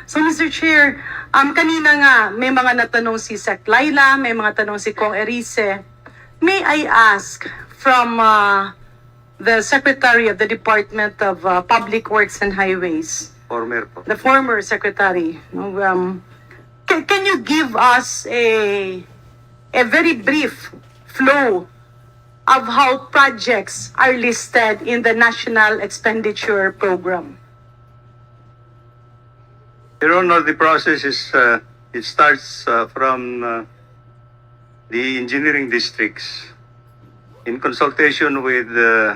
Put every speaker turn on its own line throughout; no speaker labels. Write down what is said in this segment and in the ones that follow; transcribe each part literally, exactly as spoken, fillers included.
So, Mister Chair, um, kanina nga, may mga natanong si Sec Laila, may mga tanong si Kong Erice. May I ask from uh, the Secretary of the Department of uh, Public Works and Highways,
Former po.
the former Secretary, no, um, can, can you give us a, a very brief flow of how projects are listed in the National Expenditure Program?
Your Honor, the process is, uh, it starts uh, from uh, the engineering districts in consultation with uh,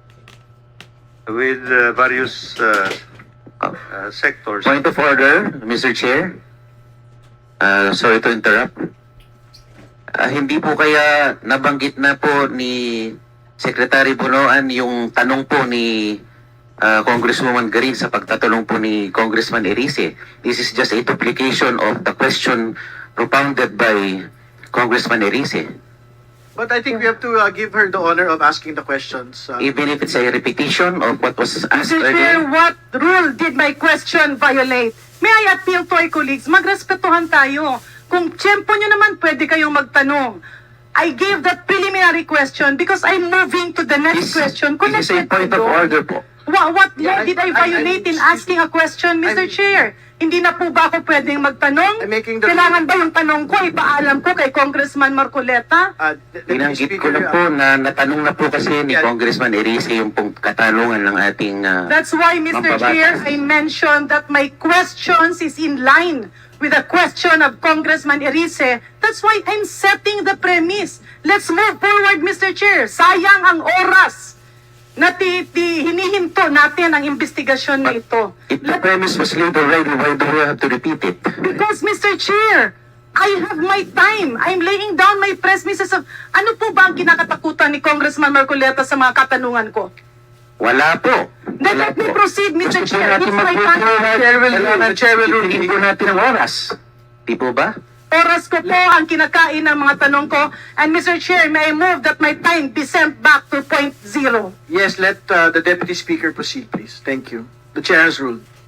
with uh, various uh, uh, sectors.
Point of order, Mister Chair. Uh, sorry to interrupt. Uh, hindi po kaya nabanggit na po ni Secretary Bunoan yung tanong po ni uh, Congresswoman Garin sa pagtatanong po ni Congressman Erice. This is just a duplication of the question propounded by Congressman Erice.
But I think we have to uh, give her the honor of asking the questions. Uh,
Even if it's a repetition of what was asked
Mister Chair,
earlier.
what rule did my question violate? May I appeal to our colleagues? Magrespetuhan tayo. Kung tiyempo nyo naman, pwede kayong magtanong. I gave that preliminary question because I'm moving to the next
This,
question.
this is a
Connected
point
to
of
those.
order po.
What, what law
Yeah, I-
did I
I-
violate
I'm-
in asking a question, Mister
I'm-
Chair? Hindi na po ba ako pwedeng magtanong?
I'm making the-
Kailangan ba yung tanong ko, ipaalam ko kay Congressman Marcoleta?
uh, the- the
Binanggit ko
speaker,
na
uh,
po na natanong na po kasi ni
Yeah.
Congressman Erice yung pong katanungan ng ating uh,
That's why, Mister
Mampabatas.
Chair, I mentioned that my questions is in line with the question of Congressman Erice. That's why I'm setting the premise. Let's move forward, Mister Chair. Sayang ang oras na ti, ti, hinihinto natin ang investigasyon na ito.
If the premise was laid already, why do we have to repeat it?
Because, Mister Chair, I have my time. I'm laying down my premises of... Ano po ba ang kinakatakutan ni Congressman Marcoleta sa mga katanungan ko?
Wala po.
Then
Wala
let me
po.
proceed, Mister
Gusto po
Chair.
natin
It's my
mag-move
time.
forward.
Chair will rule.
Kailangan
The chair will rule.
titigin po natin ang oras. Di po ba?
Oras ko po ang kinakain ng mga tanong ko. And Mister Chair, may I move that my time be sent back to point zero?
Yes, let uh, the deputy speaker proceed, please. Thank you. The chair has ruled.